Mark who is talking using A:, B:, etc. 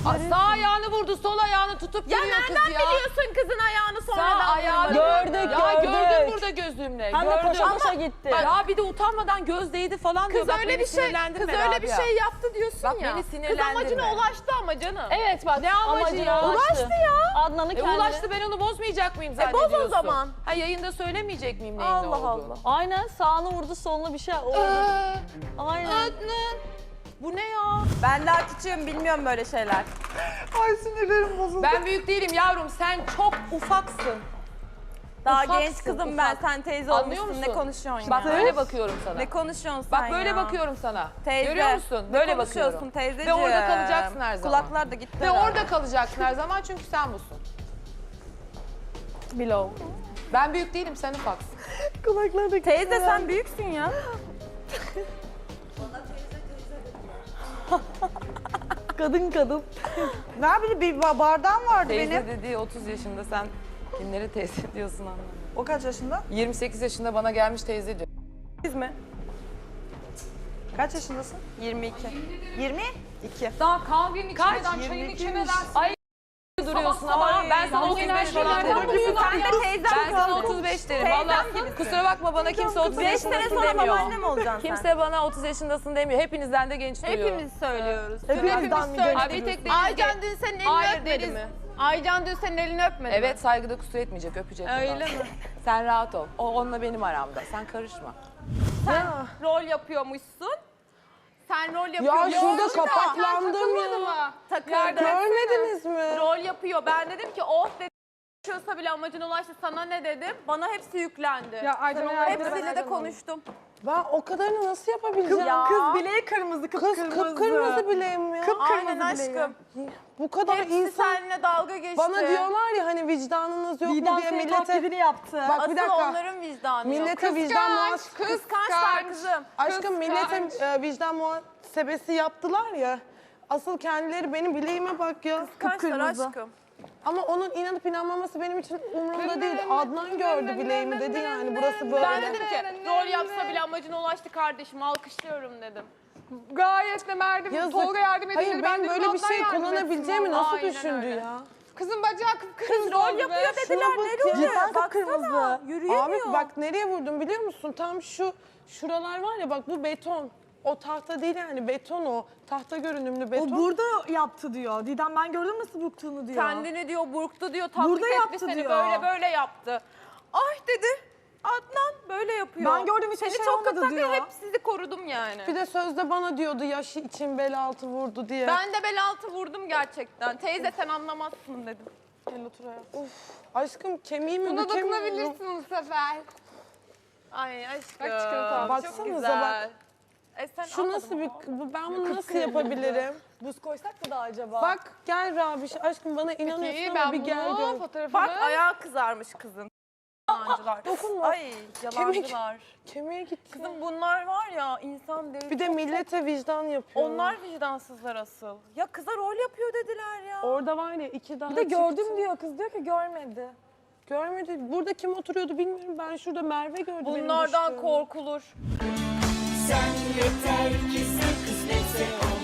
A: Sağ ayağını vurdu, sol ayağını tutup
B: Ya
A: duruyor kız
B: nereden
A: ya.
B: biliyorsun kızın ayağını
A: Sağ
B: sonradan
A: ayağını
B: vurmadığını?
A: gördüm burada gözümle.
C: Hem de
A: Gördüm.
C: koşa koşa gitti.
A: Ya bir de utanmadan göz değdi falan diyor.
B: Kız
A: Bak
B: öyle
A: beni
B: bir şey,
A: sinirlendirme
B: kız öyle bir
A: Rabia.
B: şey yaptı diyorsun
A: Bak
B: ya.
A: beni
B: Kız
A: sinirlendirme.
B: amacına ulaştı ama canım.
C: Evet bak
A: Ne amacı
C: amacına
A: ya?
C: ulaştı.
B: ya.
C: Adnan'ı kendine.
A: Ulaştı, ben onu bozmayacak mıyım
B: boz o
A: zannediyorsun?
B: zaman.
A: Ha yayında söylemeyecek miyim neyin ne
B: Allah
A: olduğunu?
B: Allah.
C: Aynen sağını vurdu soluna bir şey oldu. Aynen.
B: Bu ne ya?
D: Ben daha küçüğüm, bilmiyorum böyle şeyler.
E: Ay sinirlerim bozuldu.
A: Ben büyük değilim yavrum, sen çok ufaksın.
D: Daha
A: Ufaksın,
D: genç kızım
A: ufak.
D: ben, sen teyze
A: Anlıyor
D: olmuşsun.
A: musun?
D: Ne konuşuyorsun
A: Bak
D: ya?
A: böyle bakıyorum sana.
D: Ne konuşuyorsun
A: Bak
D: sen
A: böyle
D: ya?
A: bakıyorum sana.
D: Teyze.
A: Görüyor musun?
D: Ne
A: Böyle
D: konuşuyorsun
A: bakıyorum.
D: teyzeciğim?
A: Ve orada kalacaksın her zaman.
D: Kulaklar da gitti.
A: Ve orada kalacaksın her zaman çünkü sen busun.
C: Below.
A: Ben büyük değilim, sen ufaksın.
E: Kulakları da
D: Teyze sen büyüksün ya.
C: Kadın.
E: Ne yapayım, bir bardağım vardı
A: Teyze
E: benim.
A: dediği 30 yaşında, sen kimleri teyze diyorsun anlamadım.
E: O kaç yaşında?
A: 28 yaşında bana gelmiş teyze diyor.
D: Biz mi?
E: Kaç yaşındasın?
D: 22. 22.
A: Daha kahvenin içmeden, çayın içmeden ay duruyorsun ama ben sana 35 falan derim.
D: Sen de teyzem
A: Ben sana
D: kaldın.
A: 35 derim.
D: Teyzem
A: Vallahi
D: gibisin.
A: kusura bakma, bana kimse 30
D: 5 sene
A: yaşındasın
D: sonra
A: demiyor.
D: babaannem olacaksın sen.
A: Kimse bana 30 yaşındasın demiyor. Hepinizden de genç duruyor.
D: Hepimiz söylüyoruz.
C: Hepimizden mi
A: Ay bir tek Deniz
B: Aycan dün senin elini
A: Hayır,
B: öpmedi
A: Deniz.
B: mi? Aycan dün senin elini öpmedi mi?
A: Evet, saygıda kusur etmeyecek, öpecek.
B: Öyle
A: bundan
B: mi?
A: sonra. Sen rahat ol. O onunla benim aramda. Sen karışma.
D: Sen rol yapıyormuşsun. Sen rol
E: Ya
D: yapıyormuşsun.
E: şurada kapaklandım ya.
D: Takıldı.
E: Görmediniz mi?
D: Rol yapıyor. Ben dedim ki oh dedim. Çalışıyorsa bile amacına ulaştı. Sana ne dedim? Bana hepsi yüklendi.
E: Ya Aycan
D: Hepsiyle de konuştum.
E: Ben o kadarını nasıl yapabileceğim?
D: Ya.
E: Kız bileği kırmızı, kıpkırmızı bileğim ya.
D: Aynen aşkım.
E: Bu kadar
D: Hepsi
E: insan
D: seninle dalga geçti.
E: bana diyorlar ya hani vicdanınız yok mu
C: Didem
E: diye
C: senin
E: millete.
C: taklidini yaptı.
E: Bak
D: Asıl
E: bir dakika.
D: onların vicdanı yok.
E: Millete vicdan
D: Kıskançlar kızım.
E: Aşkım millete vicdan muhasebesi yaptılar ya. Asıl kendileri benim bileğime bak ya.
D: Kıskançlar aşkım.
E: Ama onun inanıp inanmaması benim için umurumda değil. Adnan gördü bileğimi dedi yani burası böyle.
D: Ben dedim ki rol yapsa bile amacına ulaştı kardeşim alkışlıyorum dedim.
F: Gayet de Merdim,
E: Yazık.
F: Tolga yardım edince
E: Hayır
F: ben
E: ben
F: dedim
E: böyle bir
F: Adnan
E: şey
F: yardım
E: kullanabileceğimi
F: etsin
E: nasıl
F: vallahi.
E: düşündü
D: öyle.
E: ya?
F: Kızın bacağı kıpkırmızı
D: Rol
F: oldu
D: yapıyor
F: be.
D: dediler
E: Şuna
D: ne
E: bak ya.
D: rolü?
C: Cidden
D: Baksana,
C: kıpkırmızı.
D: yürüyemiyor.
E: Abi bak nereye vurdum biliyor musun? Tam şuralar var ya bak bu beton. O tahta değil yani beton o. Tahta görünümlü beton.
G: O burada yaptı diyor. Didem ben gördüm nasıl buktuğunu diyor.
D: Kendini diyor burktu diyor taklit
G: Burada
D: etti
G: yaptı
D: seni
G: diyor.
D: böyle yaptı. Ay dedi Adnan böyle yapıyor.
G: Ben gördüm, hiçbir
D: seni
G: şey
D: çok
G: olmadı
D: kısak
G: diyor.
D: hep sizi korudum yani.
E: Bir de sözde bana diyordu yaşı için bel altı vurdu diye.
D: Ben de bel altı vurdum gerçekten. Teyze sen anlamazsın dedim.
E: Gel otur hayatım. Of, aşkım kemiğimi
F: Buna
E: bükemiyorum.
F: dokunabilirsin bu sefer.
D: Ay aşkım.
F: Bak çikolata aldım.
D: Çok
E: Baksanıza
D: güzel. Sen
E: Şu
D: almadın
E: nasıl
D: mı?
E: ben bunu nasıl yapabilirim?
C: Buz koysak mı da acaba?
E: Bak gel Rabiş aşkım bana inanıyorsun
F: İyi
E: ama
F: ben
E: bir gel
F: bunu
E: gör.
F: fotoğrafını...
D: Bak ayağı kızarmış kızın. Yalancılar.
E: Dokunma.
D: Ay yalancılar.
E: Kemiğe gitti.
D: Kızım bunlar var ya insan değil.
E: Bir de millete vicdan yapıyor.
D: Onlar vicdansızlar asıl. Ya kıza rol yapıyor dediler ya.
E: Orada var ya iki daha
C: Bir de gördüm
E: çıktı.
C: diyor kız diyor ki görmedi.
E: Görmedi. Burada kim oturuyordu bilmiyorum. Ben şurada Merve gördüm. benim
D: Bunlardan
E: düştüğümü.
D: korkulur.
H: Sen yeter ki sen kısmetse ol.